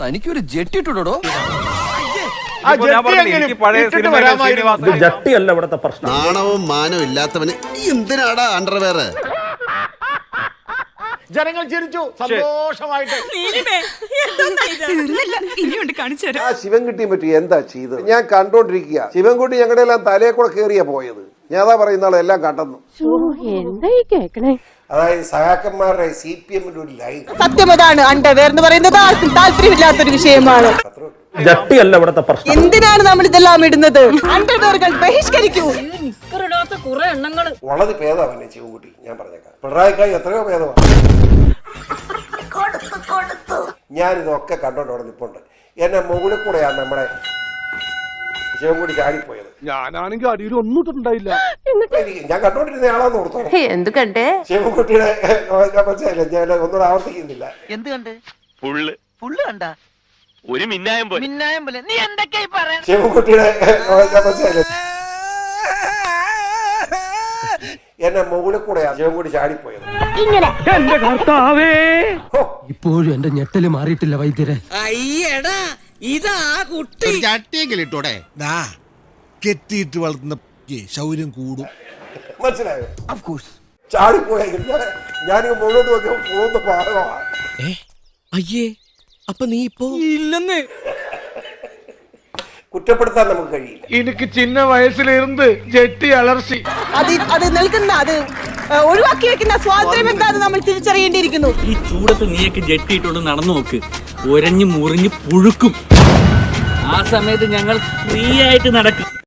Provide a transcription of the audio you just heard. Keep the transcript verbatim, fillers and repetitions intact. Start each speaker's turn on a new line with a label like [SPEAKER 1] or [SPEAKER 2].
[SPEAKER 1] തനിക്കൊരു ജെട്ടി ഇട്ടുടോ.
[SPEAKER 2] ജട്ടിയല്ല ഇവിടുത്തെ പ്രശ്നം.
[SPEAKER 3] നാണവും മാനവും ഇല്ലാത്തവന് എന്തിനാടാ അണ്ടർവെയർ?
[SPEAKER 2] ജനങ്ങൾ ചിരിച്ചു സന്തോഷമായിട്ട്.
[SPEAKER 4] ആ ശിവൻകുട്ടിയെ പറ്റി എന്താ ചെയ്തത് ഞാൻ കണ്ടോണ്ടിരിക്കുക. ശിവൻകുട്ടി ഞങ്ങളുടെ എല്ലാം തലയെ കൂടെ കേറിയാ പോയത്. ഞാൻ അതാ പറയുന്ന ആളെല്ലാം കണ്ടെന്നു. അതായത് സഹാക്കന്മാരുടെ സി പി എമ്മിന്റെ ഒരു ലൈൻ
[SPEAKER 5] സത്യം അതാണ്. അണ്ടർവെയർ എന്ന് പറയുന്നത് ആർക്കും താല്പര്യമില്ലാത്തൊരു വിഷയമാണ്.
[SPEAKER 2] ജട്ടിയല്ല ഇവിടുത്തെ പ്രശ്നം.
[SPEAKER 5] എന്തിനാണ് നമ്മൾ ഇതെല്ലാം ഇടുന്നത്? അണ്ടർവെയറുകൾ ബഹിഷ്കരിക്കൂ.
[SPEAKER 4] വളരെ ഭേദമാണ് ശിവൻകുട്ടി. ഞാൻ പറഞ്ഞേക്കാം, പിണറായിക്കായി എത്രയോ ഭേദമാണ്. ഞാനിതൊക്കെ കണ്ടോണ്ട് അവിടെ നിൽപ്പുണ്ട്. എന്നെ മുകളിൽ കൂടെയാണ് നമ്മുടെ ശിവൻകുട്ടി ചാടിപ്പോയത്.
[SPEAKER 2] ഞാനാണെങ്കിൽ അടിയിൽ ഒന്നും ഇട്ടിട്ടുണ്ടായില്ല.
[SPEAKER 4] ഞാൻ കണ്ടോണ്ടിരുന്ന ആളാന്ന് ഓർത്തോളൂ.
[SPEAKER 5] എന്ത് കണ്ടേ?
[SPEAKER 4] ശിവൻകുട്ടിയുടെ മനസ്സിലായില്ല. ഞാൻ ഒന്നും ആവർത്തിക്കുന്നില്ല.
[SPEAKER 6] എന്ത് കണ്ട്? ഫുള്ള് ഫുള്ള് കണ്ട ഒരു മിന്നായം പോലെ മിന്നായം പോലെ. നീ എന്തൊക്കെയായി പറയാ?
[SPEAKER 4] ശിവൻകുട്ടിയുടെ മനസ്സിലായില്ല. എന്നെ മുകളിൽ കൂടെയാണ് ശിവൻകുട്ടി ചാടിപ്പോയത്.
[SPEAKER 2] എന്റെ കർത്താവേ,
[SPEAKER 1] ഇപ്പോഴും എന്റെ ഞെട്ടല് മാറിയിട്ടില്ല വൈദ്യരെ.
[SPEAKER 7] അയ്യടാ ഇതാ കുട്ടി
[SPEAKER 3] ചട്ടിയെങ്കിലും ഇട്ടോടെ. കെട്ടിയിട്ട് വളർത്തുന്ന ശൗര്യം കൂടും.
[SPEAKER 4] മനസ്സിലായോ? ചാടിപ്പോയെങ്കിൽ ഞാനിങ്ങ് മുകളിലോട്ട് നോക്കിയാൽ പോകുന്ന ഭാഗമാണ്.
[SPEAKER 7] അയ്യേ അപ്പൊ നീ ഇപ്പോ ഇല്ലെന്ന്
[SPEAKER 4] കുറ്റപ്പെടുത്താൻ നമുക്ക് കഴിയില്ല.
[SPEAKER 2] എനിക്ക് ചിന്ന വയസ്സിലിരുന്ന് ജെട്ടി അലർച്ചി.
[SPEAKER 5] അത് അത് നൽകുന്ന അത് ഒഴിവാക്കി വെക്കുന്ന സ്വാതന്ത്ര്യം എന്താണെന്ന് നമ്മൾ തിരിച്ചറിയേണ്ടിയിരിക്കുന്നു.
[SPEAKER 8] ഈ ചൂടത്ത് നീയൊക്കെ ജെട്ടിയിട്ടോണ്ട് നടന്നു നോക്ക്, ഒരഞ്ഞു മുറിഞ്ഞു പുഴുക്കും. ആ സമയത്ത് ഞങ്ങൾ ഫ്രീ ആയിട്ട് നടക്കും.